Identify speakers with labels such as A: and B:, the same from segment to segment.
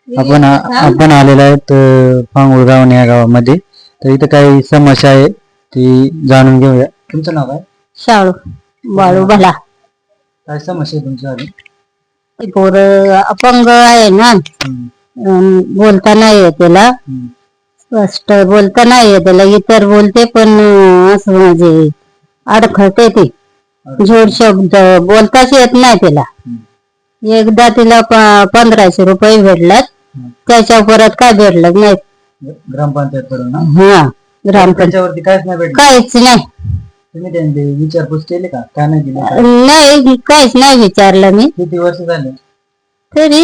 A: आपण आलेलो आहेत पांगुळ गाव या गावामध्ये. तर इथं काही समस्या आहे ती जाणून घेऊया. तुमचं नाव काय?
B: शाळू बाळू भला.
A: काय समस्या आहे तुमची आली?
B: पोर अपंग आहे ना, बोलता नाही येत त्याला, स्पष्ट बोलता नाही येत त्याला. इतर बोलते पण असं म्हणजे अडखळते ते, जोड शब्द बोलताच येत नाही त्याला. एकदा तिला 1500 रुपये भेटलात, त्याच्या परत काय भेटलं नाही.
A: ग्रामपंचायत कडून?
B: हा,
A: ग्रामपंचायतीवरती काहीच नाही भेटलं?
B: काहीच नाही.
A: तुम्ही त्यांनी विचारपूस केली का? काय नाही दिली?
B: नाही, काहीच नाही विचारलं मी.
A: किती वर्ष झाले?
B: तरी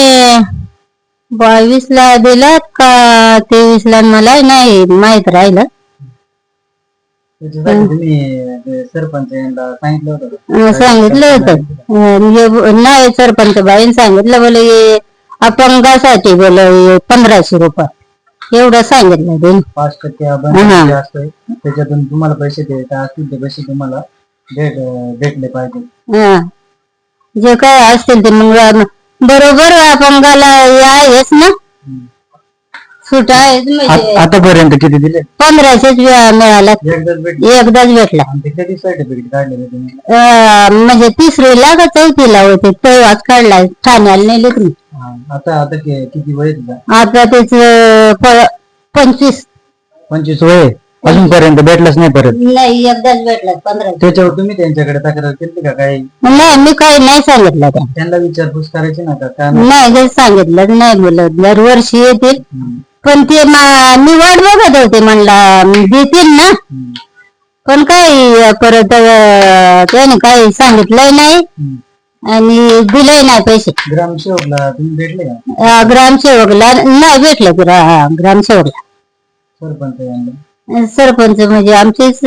B: 22 ला दिलात का 23 ला, मला नाही माहित राहिलं.
A: तुम्ही सरपंच यांना सांगितलं होतं?
B: सांगितलं होतं. नाही, सरपंच बाईन सांगितलं बोले अपंगासाठी बोल 1500 रुपये एवढं सांगितलं.
A: 5% असतंय, त्याच्यातून तुम्हाला पैसे द्यायचे असतील ते पैसे तुम्हाला भेटले पाहिजे.
B: जे काय असतील ते मग बरोबर अपंगाला आहेच ना, सूट आहे.
A: आतापर्यंत किती दिले?
B: 1500 मिळाला. एकदाच भेटला.
A: कधी सर्टिफिकेट काढलेलं तुम्ही?
B: म्हणजे 3रीला का 4थीला होते तेव्हाच काढला. ठाण्याला नेले तुम्ही.
A: आता किती वय तुझा?
B: आता त्याच 25
A: वय. अजूनपर्यंत भेटलंच नाही? परत
B: नाही, एकदाच भेटला 15.
A: त्याच्यावर तुम्ही त्यांच्याकडे तक्रार केली का? काही
B: नाही, मी काही नाही सांगितलं.
A: त्यांना विचारपूस करायची ना का?
B: नाही, काही सांगितलं नाही. बोलत दरवर्षी येतील, पण ते मी वाट बघत होते, म्हणला देतील ना, पण काही परत त्याने काही सांगितलंय नाही आणि दिलंय नाही पैसे.
A: ग्रामसेवकला तुम्ही भेटले का?
B: ग्रामसेवकला नाही भेटलं. ग्रामसेवकला. सरपंच म्हणजे आमचेच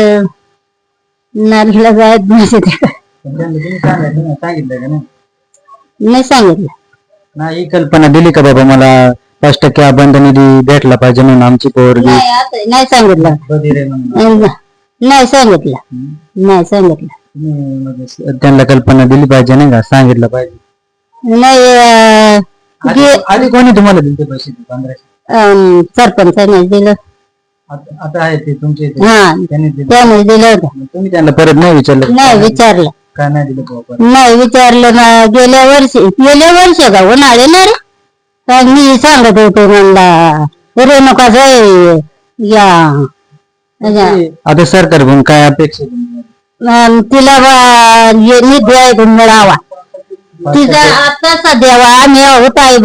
B: नारीला जायत म्हणजे
A: सांगितलं का?
B: नाही सांगितलं.
A: नाही, ही कल्पना दिली का बाबा मला 5% अबंध निधी भेटला पाहिजे म्हणून आमची पोरगी?
B: नाही सांगितलं. नाही सांगितलं. नाही सांगितलं.
A: त्यांना कल्पना दिली पाहिजे नाही का? सांगितलं पाहिजे.
B: नाही,
A: आधी कोणी तुम्हाला दिले पैसे? 1500
B: सरपंचाने दिलं.
A: आता आहे ते तुमचे?
B: त्याने दिलं होतं.
A: तुम्ही त्यांना परत नाही विचारलं?
B: नाही विचारलं.
A: काय नाही दिलं?
B: नाही विचारलं ना. गेल्या वर्षी का उन्हाळे ना रे, मी सांगत होते म्हणला रेणुका या.
A: आता सरकारकडून काय अपेक्षा?
B: तिला निधी मिळावा. तिचा आता सध्या आम्ही आहोत आई